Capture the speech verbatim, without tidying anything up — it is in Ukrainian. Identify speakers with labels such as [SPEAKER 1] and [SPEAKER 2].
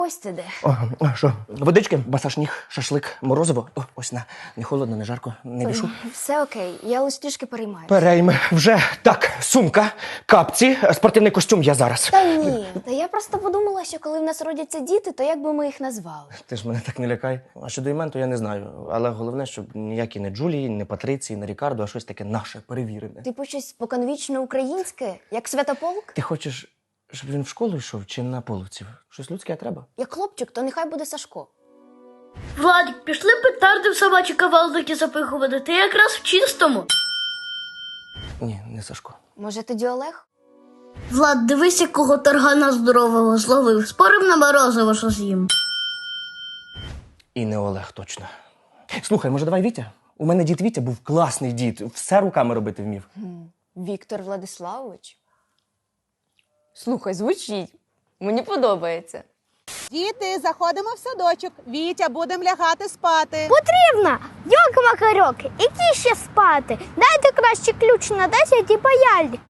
[SPEAKER 1] Ось ти де.
[SPEAKER 2] О, а що? Водички, масаж ніг, шашлик, морозиво. О, ось на. Не холодно, не жарко, не бішу.
[SPEAKER 1] Все окей, я лише трішки переймаюся.
[SPEAKER 2] Перейми вже. Так, сумка, капці, спортивний костюм я зараз.
[SPEAKER 1] Та ні, та я просто подумала, що коли в нас родяться діти, то як би ми їх назвали?
[SPEAKER 2] Ти ж мене так не лякай. А щодо імен, то я не знаю. Але головне, щоб ніякі не Джулії, не Патриції, не Рікардо, а щось таке наше, перевірене.
[SPEAKER 1] Типу щось споконвічно українське, як Святополк?
[SPEAKER 2] Ти хочеш, щоб він в школу йшов чи на половців? Щось людське треба?
[SPEAKER 1] Як хлопчик, то нехай буде Сашко.
[SPEAKER 3] Владик, пішли петарди в собачі кавалдики запихувати, ти якраз в чистому.
[SPEAKER 2] Ні, не Сашко.
[SPEAKER 1] Може тоді Олег?
[SPEAKER 3] Влад, дивись, якого таргана здорового зловив. Спорив на морозиво, що з'їм.
[SPEAKER 2] І не Олег, точно. Слухай, може давай Вітя? У мене дід Вітя був класний дід, все руками робити вмів.
[SPEAKER 1] Віктор Владиславович? Слухай, звучить. Мені подобається.
[SPEAKER 4] Діти, заходимо в садочок. Вітя, будемо лягати спати.
[SPEAKER 5] Потрібно! Йок-макарьок, які ще спати? Дайте краще ключ на десять і паяльник.